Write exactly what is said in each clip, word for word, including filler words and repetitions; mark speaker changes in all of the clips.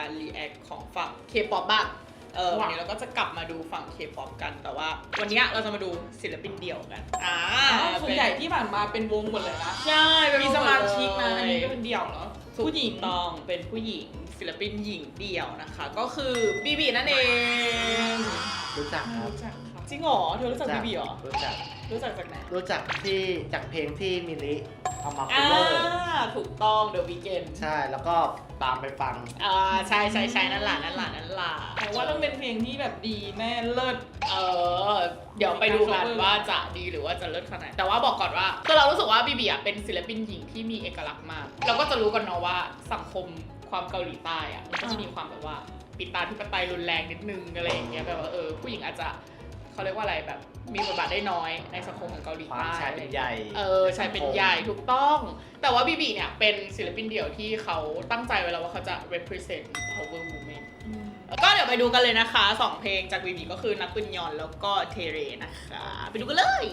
Speaker 1: การรีแอคของฝั่ง K-pop บ้างเออวันนี้เราก็จะกลับมาดูฝั่ง K-pop กันแต่ว่าวันนี้เราจะมาดูศิลปินเดี่ยวกันอ่า
Speaker 2: ส่วนใหญ่ที่ผ่านมาเป็นวงหมดเลยนะ
Speaker 1: ใช่
Speaker 2: มีสมาชิกนะอันนี้ก็เป็นเดี่ยวเหรอผู้หญิง
Speaker 1: ต้องเป็นผู้หญิงศิลปินหญิงเดี่ยวนะคะก็คือบีบีนั่นเอง
Speaker 3: รู้จักครับ
Speaker 2: รู้จักค่ะ
Speaker 1: จริงเหรอเธอรู้จักบีบีเหรอ
Speaker 3: รู้จัก
Speaker 1: รู้จักจากไหน
Speaker 3: รู้จักที่จากเพลงที่มิลลิเอามาคั
Speaker 1: อ่า
Speaker 3: ฟเวอร์
Speaker 1: ถูกต้อง The Weeknd
Speaker 3: ใช่แล้วก็ตามไปฟัง
Speaker 1: อ่าใช่ใช่ใช่นั่นแหละนั่นแหละนั่นแหละ
Speaker 2: แต่ว่าต้องเป็นเพลงที่แบบดีแน่เลิศ
Speaker 1: เออเดี๋ยวไปดูกันว่าจะดีหรือว่าจะเลิศขนาดไหนแต่ว่าบอกก่อนว่าคือเรารู้สึกว่าบีบีอ่ะเป็นศิลปินหญิงที่มีเอกลักษณ์มากเราก็จะรู้กันเนาะว่าสังคมความเกาหลีใต้อ่ะมันก็จะมีความแบบว่าปิดตาธิปไตยรุนแรงนิดนึงอะไรอย่างเงี้ยแบบว่าเออผู้หญิงอาจจะเขาเรียกว่าอะไรแบบมีบทบาทได้น้อยในสังคมของเกาหลี
Speaker 3: ความ
Speaker 1: ใต้
Speaker 3: ชายเป็นใหญ่
Speaker 1: เออชายเป็นใหญ่ถูกต้อง แต่ว่าบีบีเนี่ยเป็นศิลปินเดี่ยวที่เขาตั้งใจไว้แล้วว่าเขาจะ represent power women ก็เดี๋ยวไปดูกันเลยนะคะสองเพลงจากบีบีก็คือนักปืนยอนแล้วก็เทเรนะคะไปดูกันเลย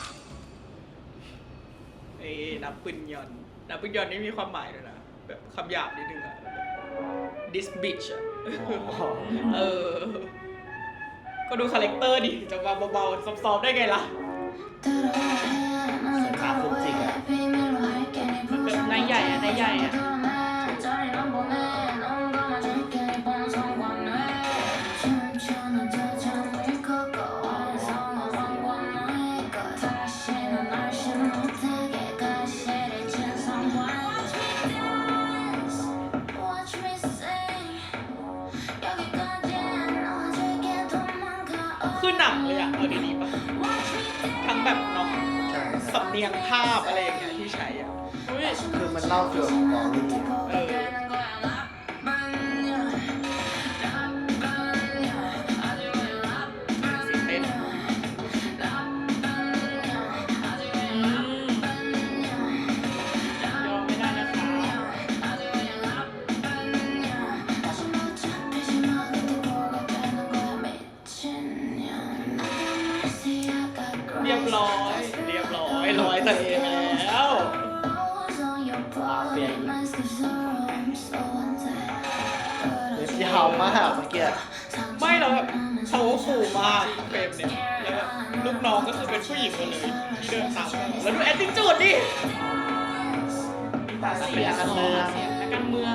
Speaker 1: เอ้นักปืนยอนนักปืนยอนนี่มีความหมายด้วยนะแบบคำหยาบนิดนึงอะ this bitch อะเออก็ดูคาแรคเตอร์ดิจะมาเบาๆซอฟๆได้ไงล่ะ
Speaker 3: สายตาฟุ้งจริงอะ
Speaker 1: มันแบบนายใหญ่อะนายใหญ่อะคือหนังเลยอะเอาดีๆป่ะทั้งแบบเนาะ
Speaker 3: ใช่
Speaker 1: สำเนียงภาพอะไรอย่างเงี้ยที่ใช้อ่ะ
Speaker 3: คือมันเล่าเกี่ยวกับสตอรี่
Speaker 1: เออสิเต้นอืมยอมไม่ได้นะคะเรียบร้อยเรียบร้อยร้อยทะเลไปแล้ว
Speaker 3: มาเฟียอีกเล็บยาวมากเมื่อกี้
Speaker 1: ไม่แล้วแบบเขาขู่มากเฟรมเนี่ยแล้วแบบลูกน้องก็คือเป็นผู้หญิงหมดเลยที่เดินตามมาแล้วดูแอตติจูดดิ
Speaker 2: ตาเสียกันเมืองเสียนักการเมือง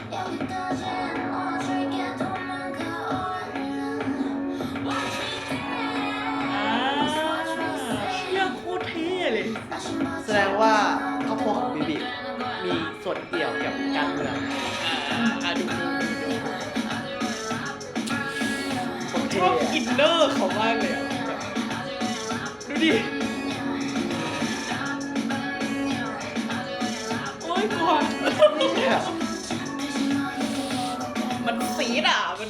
Speaker 1: อ่าเชี่ยโคตรเท่เลย
Speaker 3: แสดงว่าครอบครัวของบิบิมีส่วนเกี่ยวกับการเมือง
Speaker 1: อ่าอ่าดูดูดูดู
Speaker 3: โคตร
Speaker 1: ช
Speaker 3: เท่
Speaker 1: อบอินเนอร์เขามากเลยอ่ะแบบดูดิโอ้ยกลัว
Speaker 3: เนี่ย
Speaker 1: มันซีดอ่ะมัน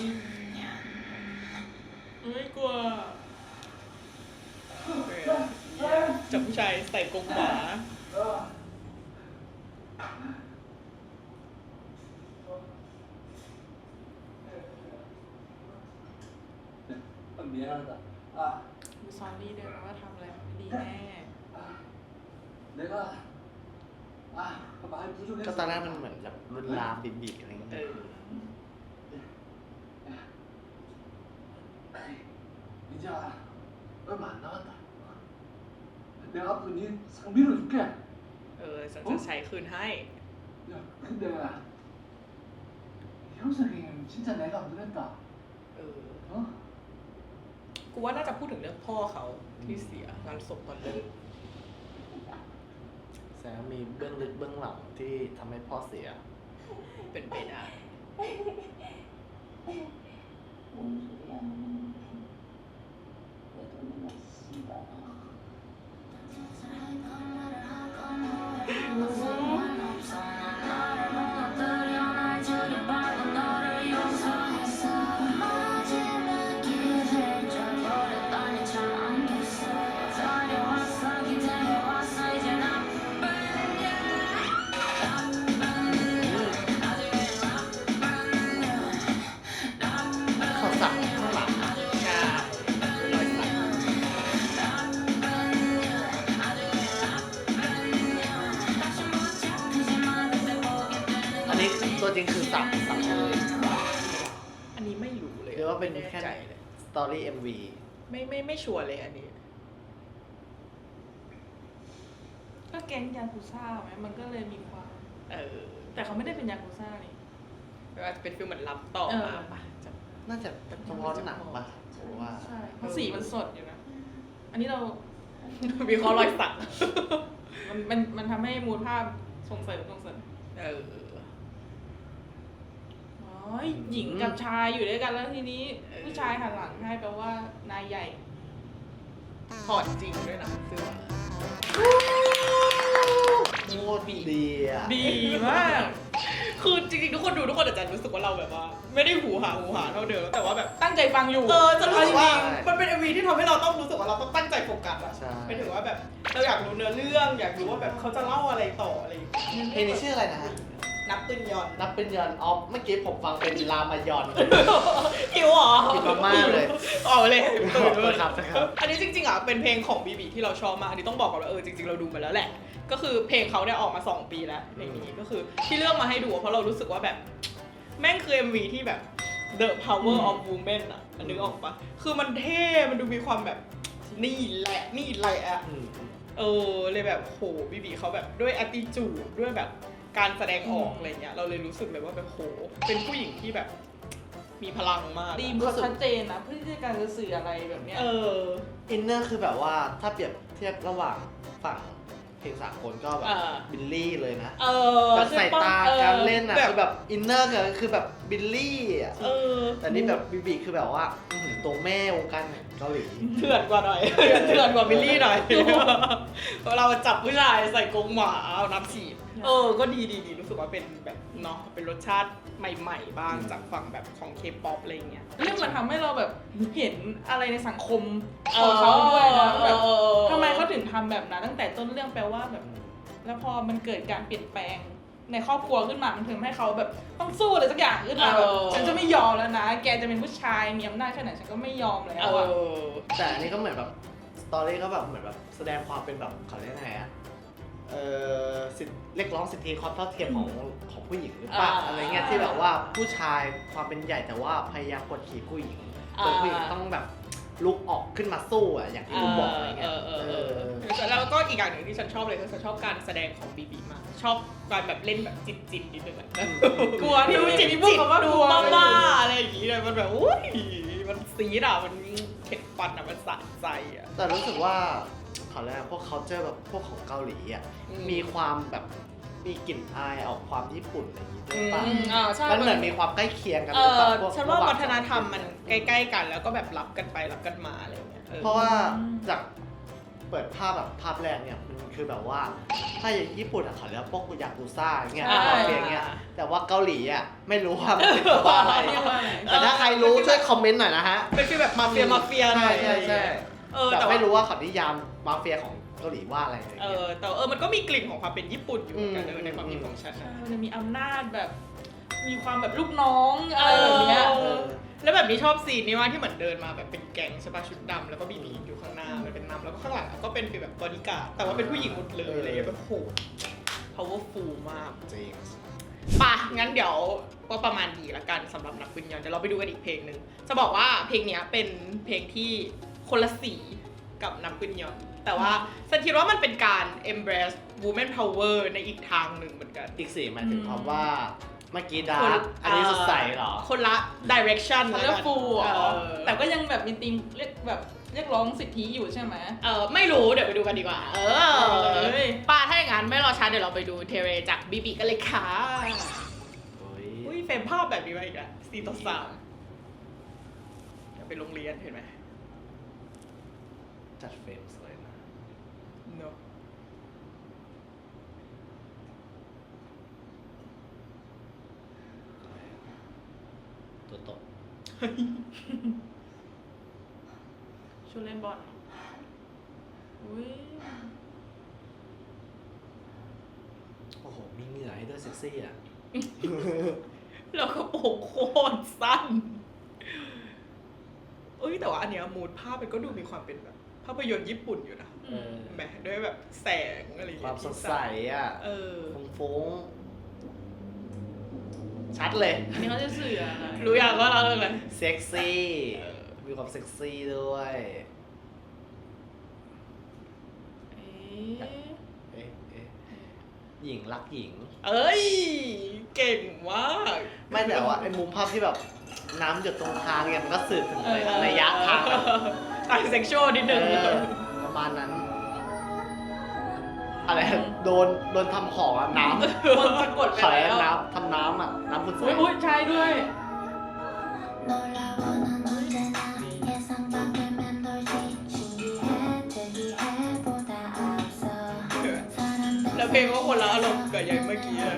Speaker 1: เอ้ยกลัวจับผู้ชายใส่กรงหมา
Speaker 4: 미안하다. 아,
Speaker 2: ดูซอรี่เดินว่าทำอะไรไม่ดีแน่
Speaker 4: 내가 아, 말
Speaker 3: ก็
Speaker 4: 부족해서.
Speaker 3: ตอนแรกมันเหมือนแบบรุนลามบิบิอะไรอย่าง
Speaker 1: เอ
Speaker 3: เงี้ย
Speaker 1: อ
Speaker 4: 이제 얼마 안 남았다. 내가 앞으로 네 상비를 줄게.
Speaker 1: เออฉันจะใช้คืนให้
Speaker 4: 야, 근데 형사님 진짜 내가 안 그랬다.
Speaker 1: เออ
Speaker 4: 어?
Speaker 1: กูว่าน่าจะพูดถึงเรื่องพ่อเขาที่เสียงานศพตอนเลิก
Speaker 3: แสดงว่ามีเบื้องลึกเบื้องหลังที่ทำให้พ่อเสีย
Speaker 1: เป็นไปได้
Speaker 4: 뭔 소리야? 얘도 맨날 씨발.
Speaker 3: เขาสั่งข้างหลัง
Speaker 1: ใช่รอยสัก
Speaker 3: อันนี้ตัวจริงคือสั่งสั่งเลยว่าเป็น
Speaker 2: ไม่แน่
Speaker 3: แค่
Speaker 2: ใจเลย
Speaker 3: สตอรี่ เอ็ม วี
Speaker 2: ไม่ไม่ไม่ชัวร์เลยอันนี้ ก็แก๊งยากุซ่าไหมมันก็เลยมีความ
Speaker 1: เออ
Speaker 2: แต่เขาไม่ได้เป็นยากุซ่านี่
Speaker 1: ไม่ว่าจะเป็นฟิลเหมือนรับต่อ
Speaker 2: เออ
Speaker 1: มาปะจะ
Speaker 3: น่าจะเฉพาะหนังป่ะผมว่า
Speaker 2: ใช่เพราะสีมันสดอยู่นะ อันนี้เรา
Speaker 1: มีข้อรอยสัก
Speaker 2: มันมันมันทำให้มูลภาพส่งเสริมส่งเสริม
Speaker 1: เออ
Speaker 2: อ๋อหญิงกับชายอยู่ด้วยกันแล้วทีนี้ ผู้ชายหันหลังให้แปลว่านายใหญ่
Speaker 1: ถอดจริงด้วยนะเสื้อ
Speaker 3: โคตรดีอ่ะ
Speaker 2: ดีมาก
Speaker 1: คือจริงๆทุกคนดูทุกคนอาจจะรู้สึกว่าเราแบบว่า ไม่ได้หูหาหูหาเท่าเดิมแต่ว่าแบบ
Speaker 2: ตั้งใจฟังอยู่
Speaker 1: เออจะรู้สึกว่า
Speaker 3: ใช่
Speaker 1: มันเป็น เอ็ม วี ที่ทำให้เราต้องรู้สึกว่าเราต้องตั้งใจโฟกัสอะ
Speaker 3: ใช่
Speaker 1: ไปถึงว่าแบบเราอยากรู้เนื้อเรื่องอยากรู้ว่าแบบเขาจะเล่าอะไรต่ออะไรอย่างเงี้ย
Speaker 3: เพลงนี้ชื่ออะไรนะฮะ
Speaker 1: นับปืนยอน
Speaker 3: นับเป็นยอนออฟเมื่อกี้ผมฟังเป็นรามายอน
Speaker 1: หิวเหรอ
Speaker 3: หิวมากๆเลย
Speaker 1: ออกเลย
Speaker 3: ขอบคุณครับนะครับ
Speaker 1: อันนี้จริงๆอ่ะเป็นเพลงของบีบีที่เราชอบมากอันนี้ต้องบอกก่อนว่าเออจริงๆเราดูมาแล้วแหละ ก็คือเพลงเขาเนี่ยออกมาสองปีแล้วเพลงนี้ก็คือที่เลือกมาให้ดูเพราะเรารู้สึกว่าแบบแม่งคือ เอ็ม วี ที่แบบ The Power of Women อ่ะนึกออกปะคือมันเท่มันดูมีความแบบนี่แหละนี่แหละอะ
Speaker 3: อืม
Speaker 1: เออเลยแบบโหบีบีเขาแบบด้วย attitude ด้วยแบบการแสดงออกอะไรเงี้ยเราเลยรู้สึกเลยว่าแบบโหเป็นผู้หญิงที่แบบมีพลังมากอะ
Speaker 2: ดีมเขาชัดเจนนะเพื่อที่จะการจะสื่ออะไรแบบเนี้ย
Speaker 1: เออ
Speaker 3: อินเนอร์คือแบบว่าถ้าเปรียบเทียบระหว่างฝั่งเพลงสากลก็แบบ
Speaker 1: อ่า
Speaker 3: บิลลี่เลยนะ
Speaker 1: เออ
Speaker 3: แบบใส่ตา
Speaker 1: ใช่ปะ
Speaker 3: การเล่นอ่ะ
Speaker 1: แบบ
Speaker 3: คือแบบอินเนอร์คือแบบบิลลี่อ่ะ
Speaker 1: เออ
Speaker 3: แต่นี่แบบบีบีคือแบบว่าอื้อหือตัวแม่วงการเกาหลี
Speaker 1: เถื่อนกว่าหน่อย เถื่อนกว่าบิลลี่หน่อยเวลาจับผู้ชายใส่กรงหมาเอาน้ำฉีดเออก็ดีดีดีรู้สึกว่าเป็นแบบเนาะเป็นรสชาติใหม่ๆบ้างจากฝั่งแบบของเคป๊อปอะไรเงี้ย
Speaker 2: เรื่องมันทำให้เราแบบเห็นอะไรในสังคมของเขาด้วยนะแบบทำไมเขาถึงทำแบบนั้นตั้งแต่ต้นเรื่องแปลว่าแบบ แล้วพอมันเกิดการเปลี่ยนแปลงในครอบครัวขึ้นมา มันทำให้เขาแบบต้องสู้อะไรสักอย่างขึ้นมาแบบ
Speaker 1: เออ
Speaker 2: ฉันจะไม่ยอมแล้วนะ แกจะเป็นผู้ชายมีอำนาจแค่ไหนฉันก็ไม่ยอมแล้ว
Speaker 1: เอ
Speaker 2: อะ
Speaker 1: อ
Speaker 3: แต่อันนี้ก็เหมือนแบบสตอรี่ก็แบบเหมือนแบบแสดงความเป็นแบบเขาเรียกไงอะเออสิทธิเรียกร้องสิทธิความเท่าเทียมของของผู้หญิงหรือเปล่า
Speaker 1: อ่า
Speaker 3: อะไรเงี้ยที่แบบว่าผู้ชายความเป็นใหญ่แต่ว่าพยายามกดขี่ผู้หญิงจนผู้หญิงต้องแบบลุกออกขึ้นมาสู้อะอย่างที่คุณบอกอะไรเงี้ย
Speaker 1: เออเออ
Speaker 3: เอ
Speaker 1: เอ
Speaker 3: อ
Speaker 1: อแล้วก็อีกอย่างหนึ่งที่ฉันชอบเลยคือฉันชอบการแสดงของบีบีมากชอบการแบบเล่นแบบจิตจิตนิดนึงอะ
Speaker 2: กลัวที่
Speaker 1: ดู
Speaker 2: ไม่
Speaker 1: จิ
Speaker 2: จิ
Speaker 1: ต
Speaker 2: ตพูดคำว่า
Speaker 1: ดู
Speaker 2: กลัว
Speaker 1: บ้าๆอะไรอย่างงี้เลยมันแบบอุ้ยมันซีดอ่ะมันเข็ดฟันอ่ะมันสะใจอ่ะ
Speaker 3: แต่รู้สึกว่าเขาเรียกอะไรพวก culture แบบพวกของเกาหลีอ่ะ
Speaker 1: อืม
Speaker 3: มีความแบบมีกลิ่นอายออกความญี่ปุ่นอะไรอย่างงี้ด้วยป่ะ
Speaker 1: อืมอ่าใช่
Speaker 3: มันเหมือนมีความใกล้เคียงกัน
Speaker 1: เอ
Speaker 3: หรือเป
Speaker 1: อ
Speaker 3: ล่าพวก
Speaker 1: ฉันว่า
Speaker 3: ระห
Speaker 1: วัฒนธรรมมันใกล้ๆกันแล้วก็แบบรับกันไปรับกันมาอะไรอย่างเงี้ยออ
Speaker 3: เพราะว่าจากเปิดภาพแบบภาพแรกเนี่ยมันคือแบบว่าถ้าอย่างญี่ปุ่นอ่ะเขาเรียกว่าพวกยากุซ่าอย่างเงี้ย
Speaker 1: ใช่
Speaker 3: มาเฟียอย่างเงี้ยแต่ว่าเกาหลีอ่ะไม่รู้ว่ามันเป็นว่าอะไร
Speaker 2: เรียกว่าอะไร
Speaker 3: แต่ถ้าใครรู้ช่วยคอมเมนต์หน่อยนะฮะ
Speaker 1: เป็นฟีลแบบมาเฟียมาเฟียหน่อย
Speaker 3: ใช่ใช่
Speaker 1: เออ
Speaker 3: แต่
Speaker 1: แต่ว่า
Speaker 3: ไม่รู้ว่าเขานิยามมาเฟียของเกาหลีว่าอะไรอย่าง
Speaker 1: เอ
Speaker 3: เงี้ย
Speaker 1: อแต่ว่าเออมันก็มีกลิ่นของความเป็นญี่ปุ่นอยู่เหมือนกันเออในความคิดของฉัน
Speaker 2: ใช่
Speaker 1: นะ
Speaker 2: มันจะมีอำนาจแบบ มีความแบบลูกน้องอะไรแบบเนี้ย
Speaker 1: เออ แล้วแบบนี้ชอบซีนนี้ว่าที่เหมือนเดินมาแบบเป็นแก๊งใช่ป่ะชุดดำแล้วก็บีบีอยู่ข้างหน้ามันเป็นนำแล้วก็ข้างหลังก็เป็นฟีลแบบบอดี้การ์ดแต่ว่าเป็นผู้หญิงหมดเลยอะไรอย่างเงี้ยแบบโห powerful มาก
Speaker 3: จริง
Speaker 1: ป่ะ งั้นเดี๋ยวก็ประมาณดีละกันสำหรับนักวิญญาณเดี๋ยวเราไปดูกันอีกเพลงหนึ่งจะบอกว่าเพลงเนี้ยเป็นเพลงที่คนละสีกับนักวิญญาณแต่ว่าฉันคิดว่ามันเป็นการ embrace woman power ในอีกทางหนึ่งเหมือนกัน
Speaker 3: อีกสี่หมายถึงความว่าเมื่อกี้ดา
Speaker 1: คน
Speaker 3: ร์กอันนี้สดใสเหรอ
Speaker 1: คนละ direction
Speaker 2: เขา
Speaker 1: แล้ว
Speaker 2: เรีย
Speaker 1: กั
Speaker 2: ก
Speaker 1: น
Speaker 2: ฟูล
Speaker 1: เอ
Speaker 2: เหรอ
Speaker 1: อ
Speaker 2: แต่ก็ยังแบบมีธีมเรียกแบบเรียกร้องสิทธิอยู่ใช่ไหม
Speaker 1: เออไม่รู้เดี๋ยวไปดูกันดีกว่า เออ
Speaker 2: เอ้ย
Speaker 1: ป้าถ้าอย่างนั้นไม่รอช้าเดี๋ยวเราไปดูเทเรจากบีบีกันเลยค่ะ
Speaker 3: โอ้ย
Speaker 1: อุ้ยเฟรมภาพแบบนี้มาอีกแล้วสี่ต่อสามเดี๋ยวไปโรงเรียนเห็นไหม
Speaker 3: จัดเฟรมสวยนะ
Speaker 1: เนอะ
Speaker 3: ตัวตก
Speaker 2: ชุดเล่นบอลอุ้ย
Speaker 3: โอ้โห มีเหงื่อให้ด้วยเซ็กซี่อ่ะ
Speaker 1: แล้วก็โปรงโคตรสั้นเอ้ยแต่ว่าอันเนี้ยมูดภาพมันก็ดูมีความเป็นแบบภาพยนตร์ญี่ปุ่นอยู่นะ
Speaker 3: เออ
Speaker 1: แหมด้วยแบบแสงอะไรอย่าง
Speaker 3: ควา
Speaker 1: เงี้
Speaker 3: ม
Speaker 1: ย
Speaker 3: สดใสอ่ะ
Speaker 1: เออ
Speaker 3: ฟงฟงชัดเลย
Speaker 2: อันนี้เขาจะสื่ออะไร
Speaker 1: รู้ยังว่าเราเรื่องอะไร
Speaker 3: เซ็กซี่มีความเซ็กซี่ด้วย
Speaker 2: เอ๊ะ
Speaker 3: เอ๊ะเอ๊ะหญิงรักหญิง
Speaker 1: เอ้ยเก่งมาก
Speaker 3: ไม่แต่ว่าไอ้มุมภาพที่แบบน้ำหยดตรงทางเนี่ยมันก็สื่อถึงระยะทางแบบ
Speaker 1: ทางเซ็กชวลนิดนึง
Speaker 3: เออประมาณนั้น อะไรโดนโดนทำของอะน้ำ
Speaker 2: คนสะกดไป
Speaker 3: ขาย
Speaker 2: แล้ว
Speaker 3: น้ำทำน้ำอ่ะ น้ำบุญใส
Speaker 2: อุ้ยอุ้ยใช่ด้วย
Speaker 1: แล้วเพลงก็คนละอารมณ์กับอย่างเมื่อกี้เลย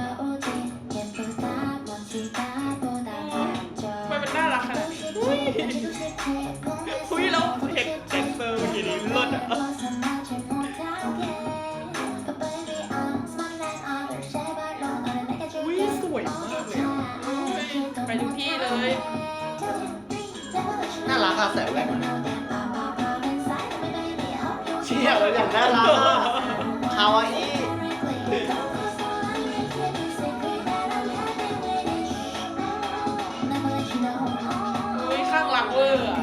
Speaker 2: ทำไมมันน่ารักขนาดนี้
Speaker 1: คุยแล้วเห็นแดนเซอร์เมื่อกี้นี้เลิศอ่ะ อุ้ยสวยมากเลยอะ
Speaker 2: ไปทุกที่เลย
Speaker 3: น่ารักอะใส่แว่นเชี่ยเลยอย่างน่ารักอะคาวาอิ
Speaker 2: อุ้ยข้างรักเวอร์อะ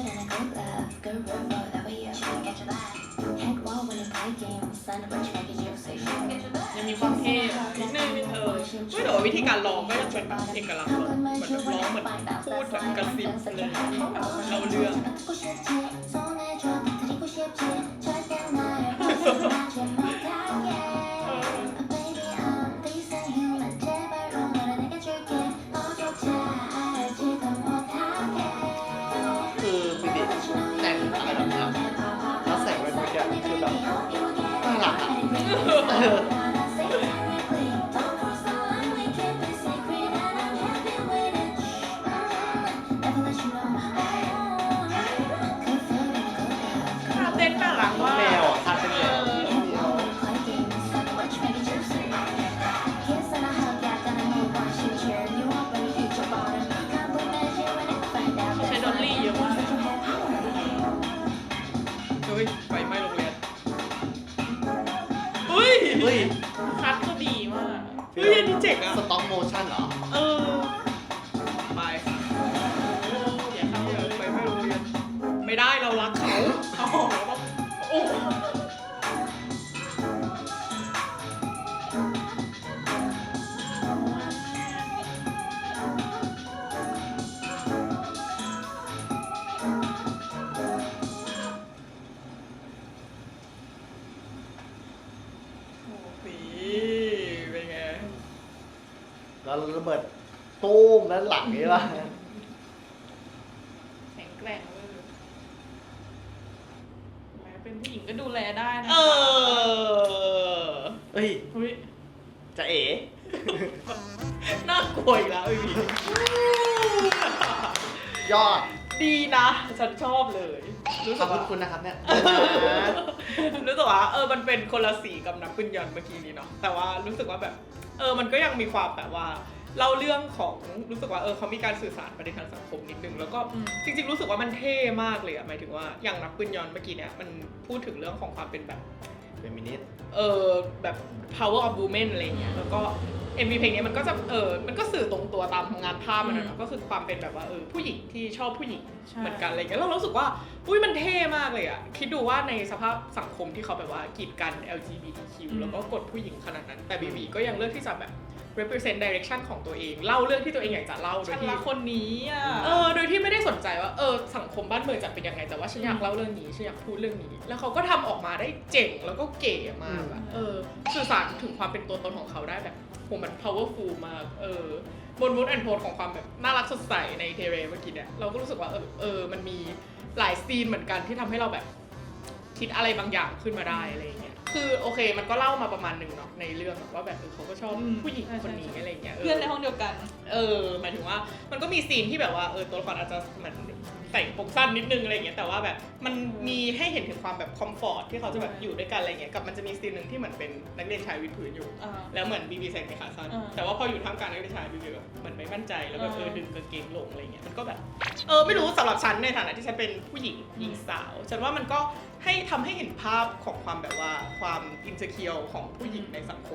Speaker 2: ยังมีความเท่นิดนึง
Speaker 1: เออไม่แต่ว่าวิธีการร้องก็ยังเป็นแบบเอกลักษณ์เหมือนเหมือนแบบร้องเหมือนพูดแบบกระซิบเลยแบบเราเรื่อง
Speaker 3: คือบิบิแต่งอะไรแบบนี้แล้วใส่แว่นเมื่อกี้คือแบบน่ารักอะเออ
Speaker 2: ท่าเต้นน่ารักมาก
Speaker 3: แมวอะทาเป็นแมว
Speaker 2: ใช้ดอลลี่เยอะมาก
Speaker 1: เฮ้ยไฟไหม้โรงเรียนเฮ้ย
Speaker 3: เฮ้ย
Speaker 2: คัดก็ดีมาก
Speaker 1: เฮ้ยอันนี้เจ๋งอะ
Speaker 3: สต็อกโมชั่นเหรอ
Speaker 1: เออไปอย่าเข้าเลยไฟไหม้โรงเรียนไม่ได้เรารักเขา
Speaker 2: เอาโอ้
Speaker 1: สีเป็นไง
Speaker 3: แล้วระเบิดตูมด้านหลังนี่ป่ะ
Speaker 2: แข็งแกร่งเวอร์แม้เป็นผู้หญิงก็ดูแลได้นะ
Speaker 1: เออ
Speaker 3: เฮ้ย
Speaker 2: อุ้ย
Speaker 3: จะเอ๋
Speaker 1: น่ากลัวอีกแล้วไอ้พี่
Speaker 3: ยอด
Speaker 1: ดีนะ ฉันชอบเลย รู้
Speaker 3: ข
Speaker 1: สึ
Speaker 3: อบ
Speaker 1: ก
Speaker 3: คุณ
Speaker 1: ว่า
Speaker 3: คุณนะครับเนี่ย
Speaker 1: รู้สึกว่าเออมันเป็นคนละสีกับนักปืนยนต์เมื่อกี้นี้เนาะแต่ว่ารู้สึกว่าแบบเออมันก็ยังมีความแบบว่าเล่าเรื่องของรู้สึกว่าเออเขามีการสื่อสารประเด็นทางสังคมนิดนึงแล้วก็จริงๆรู้สึกว่ามันเท่มากเลยอะหมายถึงว่าอย่างนักปืนยนต์เมื่อกี้เนี่ยมันพูดถึงเรื่องของความเป็นแบบ
Speaker 3: เป็นมินิส
Speaker 1: เออแบบ power of women อะไรเงี้ยแล้วก็ เอ็ม วี เพลงนี้มันก็จะเออมันก็สื่อตรงตัวตามงานภาพมันนะก็คือความเป็นแบบว่าเออผู้หญิงที่ชอบผู้หญิงเหมือนกันอะไรเงี้ยเรารู้สึกว่าอุ้ยมันเท่มากเลยอะคิดดูว่าในสภาพสังคมที่เขาแบบว่ากีดกัน แอล จี บี ที คิว แล้วก็กดผู้หญิงขนาดนั้นแต่บีบีก็ยังเลือกที่จะแบบ represent direction ของตัวเองเล่าเรื่องที่ตัวเองอยากจะเล่าโด
Speaker 2: ฉั
Speaker 1: ย
Speaker 2: น
Speaker 1: ที่
Speaker 2: รักคนนี้อ่ะ
Speaker 1: เออโดยที่ไม่ได้สนใจว่าเออสังคมบ้านเมืองจะเป็นยังไงแต่ว่าฉันอยากเล่าเรื่องนี้ฉันอยากพูดเรื่องนี้ แล้วเขาก็ทำออกมาได้เจ๋งแล้วก็เก๋มากอะเออสื่อสารถึงความเป็นตัวตนของเขาได้แบบโหมัน powerful มากเออบนมูดแอนโทนของความแบบน่ารักสดใสในเทเรเมื่อกี้เนี่ยเราก็รู้สึกว่าเออเออมันมีหลายซีนเหมือนกันที่ทำให้เราแบบคิดอะไรบางอย่างขึ้นมาได้อะไรอย่างเงี้ยคือโอเคมันก็เล่ามาประมาณหนึ่งเนาะในเรื่องว่าแบบเออเขาก็ชอบผู้หญิงคนนี้อะไรอย่างเงี้ย
Speaker 2: เพื่อนในห้องเดียวกัน
Speaker 1: เออหมายถึงว่ามันก็มีซีนที่แบบว่าเออตัวละครอาจจะเหมือนใส่ผมสั้นนิดนึงอะไรอย่างเงี้ยแต่ว่าแบบมันมีให้เห็นถึงความแบบคอมฟอร์ตที่เขาจะแบบอยู่ด้วยกันอะไรเงี้ยกับมันจะมีซีนหนึ่งที่เหมือนเป็นนักเรียนชายวิดพื้นอยู่
Speaker 2: อ่า
Speaker 1: แล้วเหมือนบีบีใส่กางเกงขาสั้น
Speaker 2: อ่า
Speaker 1: แต่ว่าพออยู่ท่ามกลางนักเรียนชายบีบีแบบเหมือนไม่มั่นใจแล้วแบบ
Speaker 2: อ่า
Speaker 1: เออดึงกางเกงลงอะไรเงี้ยมันก็แบบเออไม่รู้สำหรับฉันในฐานะที่ฉันเป็นผู้หญิงหญิงสาวฉันว่ามันก็ให้ทำให้เห็นภาพของความแบบว่าความอินเ e อร์เคียวของผู้หญิงในสังคม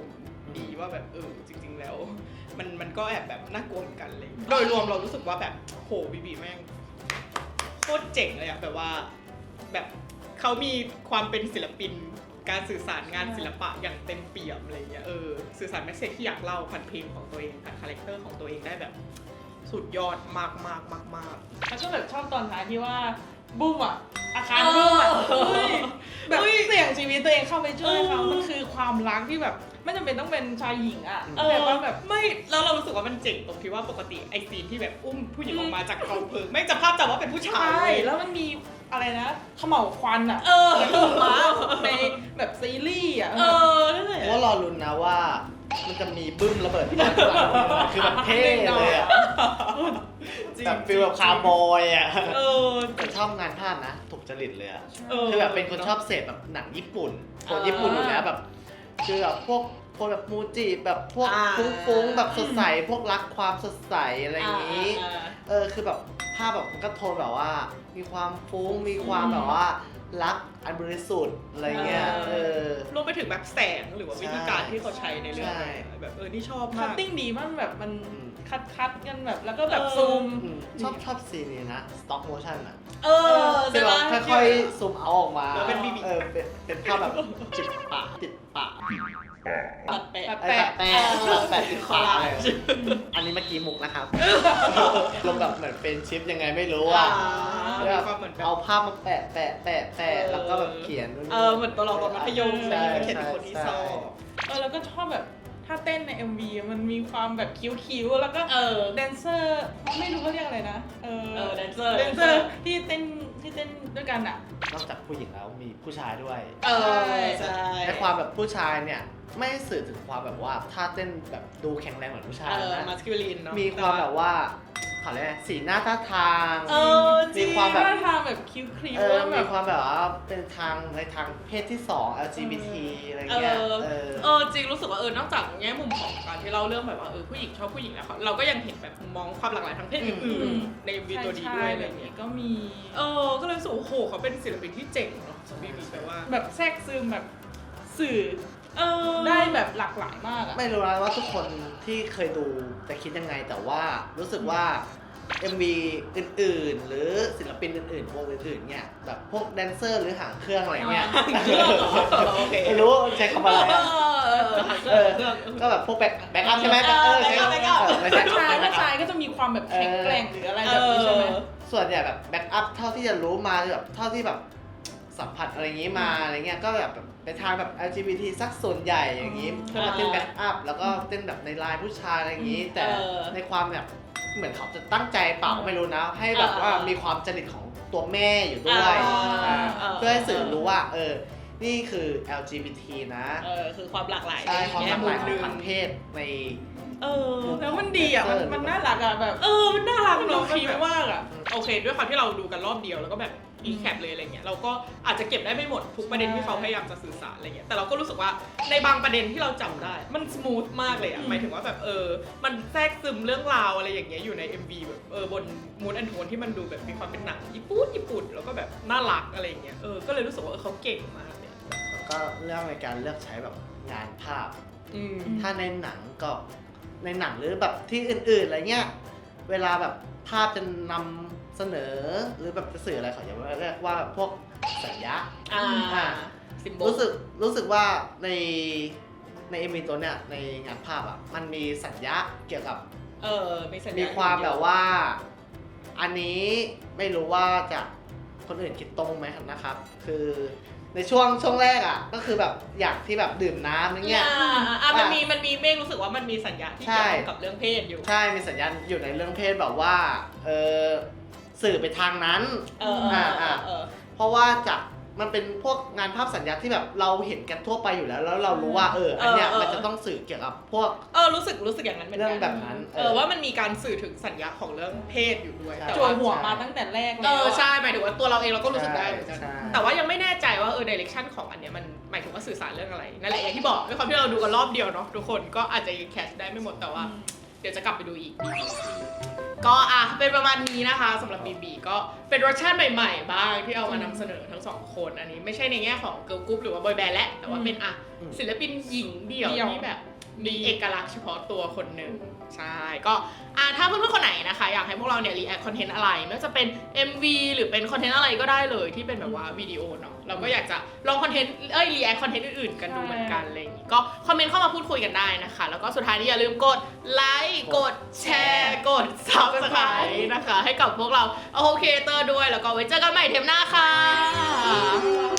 Speaker 5: ดีว่าแบบเออจริง ๆ แล้ว มันมันก็แอบแบบน่ากลัวเหมือนกันเลยโดยรวมเรารู้สึกว่าแบบโหบีบีแม่งโคตรเจ๋งเลยอะแบบว่าแบบเขามีความเป็นศิลปินการสื่อสารงานศิลปะอย่างเต็มเปี่ยมอะไรเงี้ยเออสื่อสารแมสเซจที่อยากเล่าผ่านเพลงของตัวเองผ่านคาแรคเตอร์ของตัวเองได้แบบสุดยอดมากมากมากมาก
Speaker 2: แล้วก็แบบชอบตอนท้ายที่ว่าบุ้มอ่ะอาคารบุ้มอ่ะ
Speaker 5: เออ
Speaker 2: เฮ้ยแบบ
Speaker 5: เฮ้ย
Speaker 2: เสี่ยงชีวิตตัวเองเข้าไปช่วยเขา
Speaker 5: เออ
Speaker 2: มันคือความรักที่แบบไม่จำเป็นต้องเป็นชายหญิงอ่ะ
Speaker 5: เออ
Speaker 2: แต่ว่าแบบ
Speaker 5: ไม่แล้วเรารู้สึกว่ามันเจ๋งตรงที่ว่าปกติไอซีนที่แบบอุ้มผู้หญิงออกมาจากกองเพลิงไม่จะภาพจำว่าเป็นผู้ชาย
Speaker 2: ใช่
Speaker 5: เว้ย
Speaker 2: แล้วมันมีอะไรนะเขม่าวควันอ่ะ
Speaker 5: เออ
Speaker 2: ถูกมาในแบบซีรีส์อ่ะ
Speaker 5: เออนั่นแหละ
Speaker 3: ว่ารอลุ้นนะว่ามันจะมีบึ้มระเบิดที่ด้านหลังคือแบบเท่เลยอะ
Speaker 5: จริง
Speaker 3: แบบฟีลแบบคาร์บอยอะ
Speaker 5: เออ
Speaker 3: แต่ชอบงานภาพนะถูกจริตเลยอะ
Speaker 5: เออ
Speaker 3: คือแบบเป็นคนชอบเสพแบบหนังญี่ปุ่นคนญี่ปุ่นอยู่แล้วแบบคือแบบพวกคนแบบมูจิแบบพวก
Speaker 5: อ่า
Speaker 3: ฟุ้งๆแบบสดใสพวกรักความสดใสอะไรอย่างนี้
Speaker 5: อ่า
Speaker 3: เออคือแบบภาพแบบมันก็โทนแบบว่า มีความฟุ้งมีความแบบว่ารักอันบริสุทธิ์อะไรเงี้ยเออ
Speaker 5: รวมไปถึงแบบแสงหรือว่าวิธีการที่เขาใช้ในเรื่อง
Speaker 3: ใช่
Speaker 5: แบบเออนี่ชอบ
Speaker 2: คั
Speaker 5: มา
Speaker 2: ต
Speaker 5: ก
Speaker 2: ติ้งดีมากแบบมัน
Speaker 3: อืม
Speaker 2: คัดคัดๆกันแบบแล้วก็แบบ
Speaker 5: เออ
Speaker 2: ซูม
Speaker 3: อืมชอบชอบซีนนี้นะ stop motion อ่ะ
Speaker 5: เออ
Speaker 3: คือ
Speaker 5: ใช่
Speaker 3: แบ
Speaker 5: ปะ
Speaker 3: บค่อยๆซูมเอาออกมา
Speaker 5: แล้วเป็น B B
Speaker 3: เออเป็นเป็นภาพแบบจิบปะติดปะ
Speaker 5: ตัดแปะ
Speaker 3: แปะแปะแปะติดปะอะไรอันนี้เมื่อกี้มุกนะครับลงแบบเหมือนเป็นชิปยังไงไม่รู้อ่ะ
Speaker 5: มี
Speaker 3: แบบ
Speaker 5: ความเหมือนแบบ
Speaker 3: เอาภาพมาแปะแปะแปะแปะแล้วก็แบบเขียนนู่นนี่
Speaker 5: เออเหมือนตัวเราตอนมัธยม
Speaker 3: ใช่
Speaker 5: เลยเขียนเป็นคนที่ชอบ
Speaker 2: เออแล้วก็ชอบแบบถ้าเต้นใน เอ็ม วี มันมีความแบบคิ้วๆแล้วก็
Speaker 5: เออ
Speaker 2: แดนเซอร์ไม่รู้เขาเรียกอะไรนะ เออ
Speaker 5: เออแดนเซอร์
Speaker 2: แดนเซอร์ที่เต้นที่เต้นด้วยกันอ่ะ
Speaker 3: นอกจากผู้หญิงแล้วมีผู้ชายด้วย
Speaker 5: เออ
Speaker 2: ใช่
Speaker 5: ใช่
Speaker 3: ในความแบบผู้ชายเนี่ยไม่ได้สื่อถึงความแบบว่าท่าเต้นแบบดูแข็งแรงเหมือนผู้ชาย
Speaker 5: เออ
Speaker 3: นะ
Speaker 5: มาสคิวลินเนาะ
Speaker 3: มีความแบบว่าเขาเรียกอะไรสีหน้าท่าทาง
Speaker 5: เออจริ
Speaker 3: มี
Speaker 5: ง
Speaker 3: ความแบบ
Speaker 2: ท่าทางแบบคิ้วครีม
Speaker 3: เออ
Speaker 2: แล้วแบ
Speaker 3: มี
Speaker 2: บ
Speaker 3: ความแบบว่าเป็นทางในทางเพศที่สอง แอล จี บี ที อะไร
Speaker 5: เอ
Speaker 3: เงี้ย
Speaker 5: อ
Speaker 3: เออ
Speaker 5: เออจริงรู้สึกว่าเออนอกจากแง่มุมของการที่เล่าเรื่องแบบว่าเออผู้หญิงชอบผู้หญิงแล้วเขาเราก็ยังเห็นแบบมุมมองความหลากหลายทางเพศอื่นๆในวีตัวนี้ด้วยอะไร
Speaker 2: แบบ
Speaker 5: เงี้
Speaker 2: นี้
Speaker 5: ย
Speaker 2: ก็มี
Speaker 5: เออก็เลยรู้สึกว่าโอ้โหเขาเป็นศิลปินที่เจ๋งเนาะสำหรับบีบีแปลว่า
Speaker 2: แบบแทรกซึมแบบสื่อ
Speaker 5: เออ
Speaker 2: ได้แบบหลากหลายมากอะ
Speaker 3: ไม่รู้นะว่าทุกคนที่เคยดูจะคิดยังไงแต่ว่ารู้สึกว่า เอ็ม วี อื่นๆ หรือศิลปินอื่นๆวงอื่นๆเนี่ยแบบพวกแดนเซอร์หรือหางเครื่องอะไรเงี้ย
Speaker 5: โอเค
Speaker 3: ไม่รู้ใช้คำอะไร
Speaker 5: เอ
Speaker 3: อะ
Speaker 5: อเออ
Speaker 3: เออก็แบบพวกแบ็คแบ็คอัพใช่ไหม
Speaker 5: เออ
Speaker 3: ใช้
Speaker 5: แบ็คอัพ
Speaker 3: เออไม่ใช่
Speaker 2: ผู้ชาย
Speaker 3: แบ็
Speaker 2: ผู้
Speaker 3: คอั
Speaker 2: ชาย
Speaker 3: พ
Speaker 2: ก็จะมีความแบบแข็งแกร่งหรืออะไรแบบนี้ใช่ไหม
Speaker 3: ส่วนใหญ่แบบแบ็กอัพเท่าที่จะรู้มาแบบเท่าที่แบบสัมผัสอะไรอย่างนี้มาอะไรเงี้ยก็แบบเป็นทางแบบ แอล จี บี ที สักส่วนใหญ่อย่างนี้
Speaker 2: อืม
Speaker 3: เพื่อมาเต้นแบ็กอัพแล้วก็เต้นแบบในไลน์ผู้ชายอะไรอย่างนี้ แต่
Speaker 5: เออ
Speaker 3: ในความแบบเหมือนเขาจะตั้งใจเปล่าไม่รู้นะ ให้แบบว่า
Speaker 5: เออ
Speaker 3: มีความจริตของตัวแม่อยู่ด้วย
Speaker 5: อ่า
Speaker 3: อ่า
Speaker 5: เออ
Speaker 3: เพื่อให้สื่อรู้ว่าเออนี่คือ แอล จี บี ที นะ
Speaker 5: เออคือความหลากหลาย
Speaker 3: ใช่ความหลากหลายของ
Speaker 5: แง่มุม
Speaker 3: ทางเพศใน
Speaker 5: เออ
Speaker 2: แล้วมันดีอ่ะ มันมันน่ารักอ่ะแบบ
Speaker 5: เออมันน่ารัก
Speaker 2: มัน
Speaker 5: เน
Speaker 2: ดู
Speaker 5: อะ
Speaker 2: ครีมมากอ่ะ
Speaker 5: โอเค ด้วยความที่เราดูกันรอบเดียวแล้วก็แบบอีแคปเลยอะไรเงี้ยเราก็อาจจะเก็บได้ไม่หมดทุกประเด็นที่เขาพยายามจะสื่อสารอะไรเงี้ยแต่เราก็รู้สึกว่าในบางประเด็นที่เราจำได้ มันสมูทมากเลยอะ
Speaker 2: อืม
Speaker 5: หมายถึงว่าแบบเออมันแทรกซึมเรื่องราวอะไรอย่างเงี้ยอยู่ใน เอ็ม วี แบบเออบนมูดแอนโทนที่มันดูแบบมีความเป็นหนังญี่ปุ่นญี่ปุ่นแล้วก็แบบน่ารักอะไรเงี้ยเออก็เลยรู้สึกว่าเออเขาเก่งมากเนี่ย
Speaker 3: แล้วก็เรื่องในการเลือกใช้แบบงานภาพ
Speaker 5: อืม
Speaker 3: ถ้าในหนังก็ในหนังหรือแบบที่อื่นๆอะไรเงี้ยเวลาแบบภาพจะนำเสนอหรือแบบจะสื่ออะไรเขาจะเรียกว่าพวกสัญญา
Speaker 5: อ่า
Speaker 3: อ่า
Speaker 5: ซิมโบ
Speaker 3: รู้สึกรู้สึกว่าในในเอ็มวีตัวเนี้ยในงานภาพอ่ะมันมีสัญญาเกี่ยวกับ
Speaker 5: เออมีสัญญ
Speaker 3: มีความแบบว่า อันนี้ไม่รู้ว่าจะคนอื่นคิดตรงไหมนะครับ คือในช่วงช่วงแรกอ่ะก็คือแบบอยากที่แบบดื่มน้ำอย่างเงี้ย
Speaker 5: อ่าอ่ามันมีมันมีเมฆรู้สึกว่ามันมีสัญญาที่
Speaker 3: ใช่
Speaker 5: เกี่ยวข้องกับเรื่องเพศอยู่
Speaker 3: ใช่มีสัญญาณอยู่ในเรื่องเพศแบบว่าเออสื่อไปทางนั้น
Speaker 5: เออเออเออเออ
Speaker 3: เพราะว่าจากมันเป็นพวกงานภาพสัญญาที่แบบเราเห็นกันทั่วไปอยู่แล้ว แล้วเรารู้ว่าเอออันเนี้ย
Speaker 5: เออเออ
Speaker 3: มันจะต้องสื่อเกี่ยวกับพวก
Speaker 5: เออรู้สึกรู้สึกอย่างนั้นเหมือนกั
Speaker 3: เรื่องแบบนั้น
Speaker 5: เออว่ามันมีการสื่อถึงสัญญาของเรื่องเพศอยู่ด้วย
Speaker 3: ใช่
Speaker 5: แต่
Speaker 2: จั่ว
Speaker 5: ว่า
Speaker 2: หัวมาตั้งแต่แรก
Speaker 5: เอ
Speaker 2: แล้ว
Speaker 5: อ
Speaker 2: อะ
Speaker 5: ใช่หมายถึงว่าตัวเราเองเราก็รู้สึกได้เหมือนกัน
Speaker 3: ใช่
Speaker 5: แต่ว่ายังไม่แน่ใจว่าเออดิเรกชันของอันเนี้ยมันหมายถึงว่าสื่อสารเรื่องอะไรนั่นแหละอย่างที่บอกด้วยความที่เราดูกันรอบเดียวเนาะทุกคนก็อาจจะแคชได้ไม่หมดแต่ว่า เดี๋ยวจะกลับไปดูอีก ก็อ่ะเป็นประมาณนี้นะคะสำหรับบีบีก็เป็นรสชาติใหม่ๆบ้างที่เอามานำเสนอทั้งสองคนอันนี้ไม่ใช่ในแง่ของเกิร์ลกรุ๊ปหรือว่าบอยแบนด์และแต่ว่าเป็นอ่ะ
Speaker 3: อืม
Speaker 5: ศิลปินหญิงเดี่ยว
Speaker 2: เดี่ยว
Speaker 5: ที่แบบ
Speaker 1: มีเอกลักษณ์เฉพาะตัวคนหนึ่งใช่ก็อ่าถ้าเพื่อนๆคนไหนนะคะอยากให้พวกเราเนี่ยรีแอคคอนเทนต์อะไรไม่ว่าจะเป็น เอ็ม วี หรือเป็นคอนเทนต์อะไรก็ได้เลยที่เป็นแบบว่าวิดีโอเนาะเราก็อยากจะลองคอนเทนต์เอ้ยรีแอคคอนเทนต์อื่นๆกันดูเหมือนกันอะไรอย่างงี้ก็คอมเมนต์เข้ามาพูดคุยกันได้นะคะแล้วก็สุดท้ายนี้อย่าลืมกดไลค์กดแชร์กด ซับสไครบ์ นะคะให้กับพวกเราโอเคเตอร์ด้วยแล้วก็ไว้เจอกันใหม่เทปหน้าค่ะ